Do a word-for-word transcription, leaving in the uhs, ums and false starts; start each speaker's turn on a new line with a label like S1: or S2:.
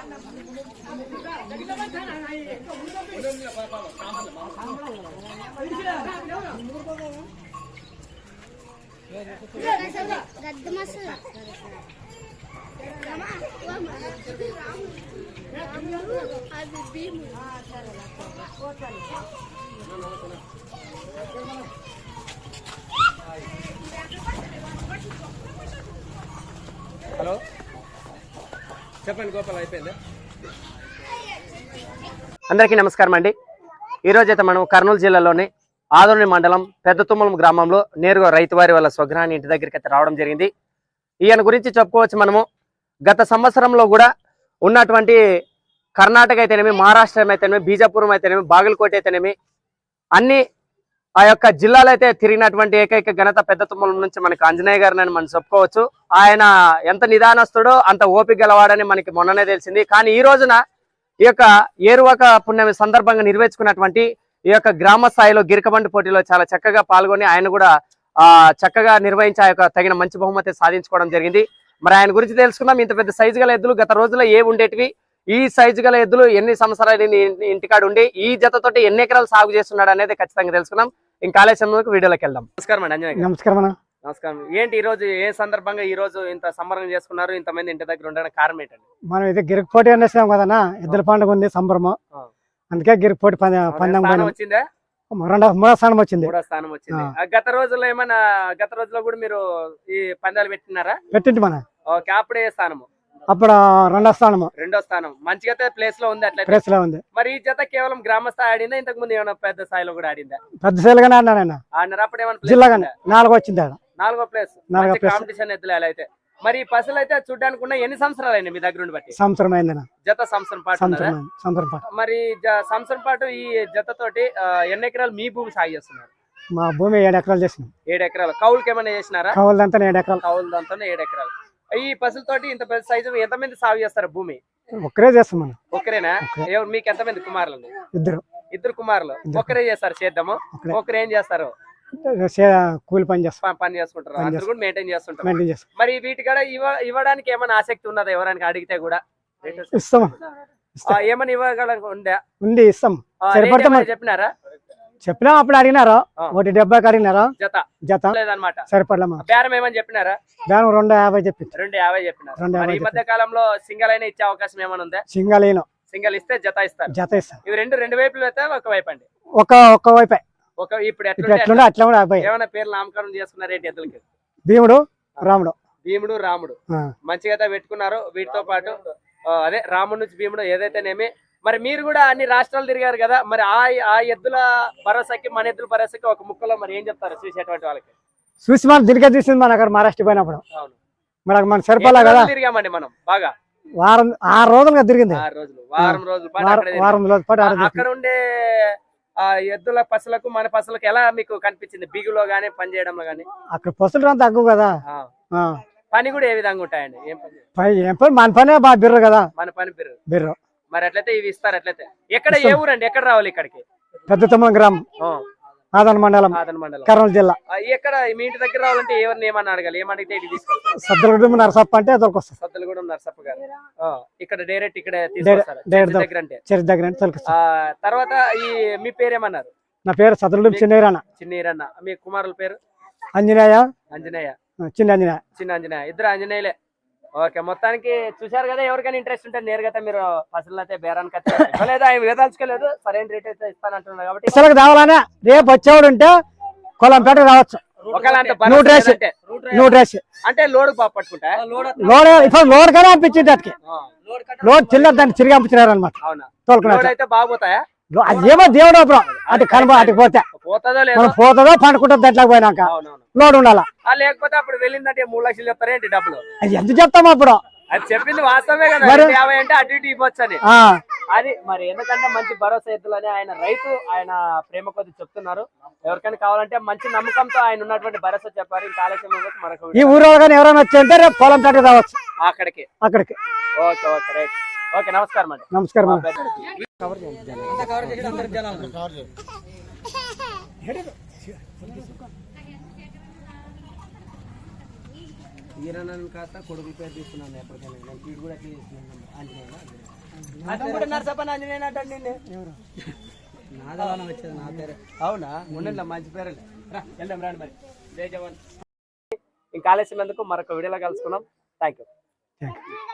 S1: Hello చెప్పండి గోపాల్ అయిపోయిందా? అందరికీ నమస్కారం అండి. ఈరోజు అయితే మనం కర్నూలు జిల్లాలోని ఆదోని మండలం పెద్ద తుమ్మలం గ్రామంలో నేరుగా రైతు వారి వాళ్ళ స్వగ్రహాన్ని ఇంటి దగ్గరికి అయితే రావడం జరిగింది. ఈయన గురించి చెప్పుకోవచ్చు మనము. గత సంవత్సరంలో కూడా ఉన్నటువంటి కర్ణాటక అయితేనేమి, మహారాష్ట్ర అయితేనేమి, బీజాపురం అయితేనేమి, బాగలకోట అయితేనేమి అన్ని ఆ యొక్క జిల్లాలో అయితే తిరిగినటువంటి ఏకైక ఘనత పెద్ద తుమ్మలం నుంచి మనకి ఆంజనేయ గారిని మనం చెప్పుకోవచ్చు. ఆయన ఎంత నిదానస్తుడో అంత ఓపిక గలవాడని మనకి మొన్ననే తెలిసింది. కానీ ఈ రోజున ఈ యొక్క ఏరువాక పుణ్యమి సందర్భంగా నిర్వహించుకున్నటువంటి ఈ యొక్క గ్రామ స్థాయిలో గిరికబండి పోటీలో చాలా చక్కగా పాల్గొని ఆయన కూడా ఆ చక్కగా నిర్వహించి ఆ యొక్క తగిన మంచి బహుమతి సాధించుకోవడం జరిగింది. మరి ఆయన గురించి తెలుసుకుందాం. ఇంత పెద్ద సైజు గల ఎద్దులు గత రోజుల్లో ఏ ఉండేటివి, ఈ సైజు గల ఎద్దులు ఎన్ని సంవత్సరాలు ఇంటికాడు ఉండి ఈ జతతోటి ఎన్ని ఎకరాలు సాగు చేస్తున్నాడు అనేది ఖచ్చితంగా తెలుసుకుందాం. ఇంకా ఆలస్యం వీడియోలోకి వెళ్దాం. నమస్కారం అండి అంజనేయ.
S2: నమస్కారం.
S1: నమస్కారం. ఏంటి ఈ రోజు ఏ సందర్భంగా ఈ రోజు ఇంత సంబరం చేసుకున్నారు, ఇంతమంది ఇంటి దగ్గర ఉండడానికి కారణం ఏంటండి?
S2: మనం అయితే గిరికి పోటీ అనేసాం కదన్నా, ఎద్దుల పండుగ ఉంది సంబరము, అందుకే గిరికి పోటీ పందెం
S1: వచ్చిందా?
S2: రెండో మూడో స్థానం వచ్చింది.
S1: మూడో స్థానం వచ్చింది. గత రోజుల్లో ఏమైనా గత రోజుల్లో కూడా మీరు ఈ పందాలు పెట్టినారా?
S2: పెట్టింది మన.
S1: ఓకే, అప్పుడే స్థానము
S2: అప్పుడు రెండో స్థానము.
S1: రెండో స్థానం మంచిగా ప్లేస్ లో ఉంది. అట్లా
S2: ప్లేస్ లో ఉంది.
S1: మరి ఈ జత కేవలం గ్రామ స్థాయి ఆడిందా, ఇంతకు ముందు ఏమైనా పెద్ద స్థాయిలో కూడా ఆడిందా?
S2: పెద్ద స్థాయిలోనే ఆడినారు.
S1: ఆడినారు. అప్పుడు ఏమైనా
S2: జిల్లాగానే నాలుగో వచ్చింది.
S1: నాలుగో ప్లేస్ కాంపిటీషన్ ఎద్దులు ఎలా అయితే. మరి ఈ పసులు అయితే చూడడానికి ఉన్న ఎన్ని సంవత్సరాలు అయినా మీ దగ్గర ఉండి బట్టి?
S2: సంవత్సరం అయింది.
S1: జత సంవత్సరం పాటు.
S2: సంవత్సరం పాటు.
S1: మరి సంవత్సరం పాటు ఈ జత తోటి ఎన్ని ఎకరాలు మీ భూమి సాగు చేస్తున్నారు?
S2: మా భూమి ఏడు ఎకరాలు చేసినాం.
S1: ఏడు ఎకరాలు కౌలుకి ఏమైనా చేసినారా?
S2: కౌలుదంతా ఏడు ఎకరాలు.
S1: కౌలుదంతా ఏడు ఎకరాలు. ఈ పసులతోటి ఇంత పెద్ద సైజు ఎంతమంది సాగు చేస్తారు భూమి?
S2: ఒక్కరే చేస్తాం మనం.
S1: ఒక్కరేనా? ఎవరు మీకు ఎంతమంది కుమారులు?
S2: ఇద్దరు.
S1: ఇద్దరు కుమారులు. ఒక్కరే చేస్తారు చేద్దాము. ఒకరు ఏం చేస్తారు?
S2: కూలి పని చేస్తారు.
S1: పని చేసుకుంటారు. అందరూ కూడా మెయింటైన్ చేస్తుంటారు. మరి వీటి కూడా ఇవ్వడానికి ఏమైనా ఆసక్తి ఉన్నదా? ఎవరైనా అడిగితే కూడా
S2: ఇస్తాం.
S1: ఏమైనా ఇవ్వగల ఉందా?
S2: ఉంది, ఇస్తాం.
S1: చెప్పినారా?
S2: చెప్పినా అప్పుడు అడిగినారు. ఒకటి డెబ్బైకి అడిగినారు.
S1: జత
S2: జత
S1: లేదనమాట.
S2: సరిపడలే.
S1: బేరం ఏమని చెప్పినారా?
S2: బేరం రెండు యాభై చెప్పి
S1: రెండు యాభై చెప్పినారు. ఈ మధ్య కాలంలో సింగల్ అయినా ఇచ్చే అవకాశం ఏమైనా ఉందా?
S2: సింగల్ అయినా
S1: సింగల్ ఇస్తే జత ఇస్తారు.
S2: జత ఇస్తారు.
S1: ఇవి రెండు రెండు వైపులు అయితే ఒక వైపు అండి.
S2: ఒక ఒక్క వైపే.
S1: ఒక ఇప్పుడు
S2: ఎట్లా అట్లా
S1: ఏమైనా పేర్లు నామకరణం చేసుకున్నారు ఏంటి ఎద్దులకి?
S2: భీముడు రాముడు.
S1: భీముడు రాముడు మంచిగా అయితే పెట్టుకున్నారు. వీటితో పాటు అదే రాముడు నుంచి భీముడు ఏదైతేనేమి. మరి మీరు కూడా అన్ని రాష్ట్రాలు తిరిగారు కదా, మరి ఆ ఆ ఎద్దుల భరోసాకి మన ఎద్దుల భరోసాకి ఒక ముక్కలో మరి ఏం చెప్తారు చూసేటువంటి వాళ్ళకి?
S2: చూసి మనం దిరిగా చూసింది మన అక్కడ మహారాష్ట్ర పోయినప్పుడు. అవును, మనకు మన సరిపడా కదా
S1: తిరిగామండి మనం బాగా.
S2: వారం ఆరు రోజులుగా తిరిగింది.
S1: ఆరు రోజులు వారం రోజులు
S2: వారం రోజుల పాటు
S1: అక్కడ ఉండే ఆ ఎద్దుల పసులకు మన పసులకు ఎలా మీకు కనిపించింది? బిగులో గానీ పని చేయడంలో గానీ?
S2: అక్కడ పసులు అంత తక్కువ కదా.
S1: పని కూడా ఏ విధంగా ఉంటాయండి? ఏం
S2: పని ఏం పని మన పనే బాగా బిర్రు కదా.
S1: మన పని బిర్రు
S2: బిర్రు.
S1: మరి అట్లయితే ఇవి ఇస్తారు. అట్లయితే ఎక్కడ ఏ ఊరండి? ఎక్కడ రావాలి ఇక్కడికి?
S2: పెద్ద తుమ్మలం గ్రామం, ఆదోని మండలం,
S1: ఆదోని మండలం,
S2: కర్నూలు జిల్లా.
S1: ఎక్కడ మీ ఇంటి దగ్గర రావాలంటే ఎవరిని ఏమన్నా అడగాలి? ఏమడిగితే ఇది తీసుకొస్తారు?
S2: సద్దలగూడెం నరసప్ప అంటే దొరకొస్తారు.
S1: సద్దలగూడెం నరసప్ప గారు ఇక్కడ డైరెక్ట్ ఇక్కడ తీసుకొస్తారు దగ్గర అంటే
S2: చర్చి దగ్గర అంటే.
S1: తర్వాత ఈ మీ పేరేమన్నారు?
S2: నా పేరు సద్దలగూడెం చిన్నీరన్న.
S1: చిన్నీరన్న. మీ కుమారుల పేరు?
S2: అంజనేయ.
S1: అంజనేయ.
S2: చిన్న అంజనేయ.
S1: చిన్న అంజనేయ. ఇద్దరు అంజనేయులే. ఓకే, మొత్తానికి చూసారు కదా. ఎవరికైనా ఇంట్రెస్ట్ ఉంటే నేరుగా మీరు పసులు అయితే బేరానికి అయితే లేదా వేదాల్చుకోలేదు, సరైన రేట్ అయితే ఇస్తానంటున్నారు కాబట్టి
S2: ఇసలకు రావాలనే రేపు వచ్చేవాడు ఉంటే కొలంపేట రావచ్చు.
S1: అంటే లోడ్ పట్టుకుంటా
S2: లోడ్ ఇప్పుడు లోడ్ కానీ అనిపించింది. అటుకి లోడ్ చిల్లర దాన్ని తిరిగి పంపించినారు అనమాట.
S1: తోలుకున్నాడు అయితే బాగుపోతాయా?
S2: ఏమో దేవుడు అప్పుడు అటు కనుమ అటుకు పోతే
S1: పోతుందో
S2: పోతుందో పండుకుంటుంది. దాంట్లోకి పోయినాక లోడ్ ఉండాలా.
S1: లేకపోతే అప్పుడు వెళ్ళిందంటే మూడు లక్షలు చెప్తారా ఏంటి డబ్బులు?
S2: అది ఎంత చెప్తాము అప్పుడు?
S1: అది చెప్పింది వాస్తవమే కదా. యాభై అంటే అటు ఇటు ఇవ్వచ్చు అని. అది మరి ఎందుకంటే మంచి భరోసా ఎద్దులని ఆయన రైతు, ఆయన ప్రేమ కొద్ది చెప్తున్నారు. ఎవరికైనా కావాలంటే మంచి నమ్మకంతో ఆయన ఉన్నటువంటి భరోసా చెప్పారు. ఇంకా ఆలస్యం మనకు
S2: ఈ ఊరు కానీ ఎవరైనా వచ్చి రేపు పొలం పేట రావచ్చు
S1: అక్కడికి
S2: అక్కడికి.
S1: Okay okay right. ఓకే, నమస్కారం అండి.
S2: నమస్కారం.
S1: ఈరనని కాస్త కొడుకు పేరు తీసుకున్నాను ఎప్పటికైనా నేను వీడు కూడా ఎట్లా చేసుకున్నాను ఆంజనేయ కూడా నరసప్పని ఆంజనేయ అంటే నిన్నే
S2: ఎవరు
S1: నాదవానం వచ్చేది నా పేరు అవునా ఉండండి మంచి పేరు రా వెళ్దాం రాండి మరి జై జవాన్ ఇంకా ఆలస్యం ఎందుకు మరొక వీడియోలో కలుసుకున్నాం థ్యాంక్ యూ
S2: థ్యాంక్ యూ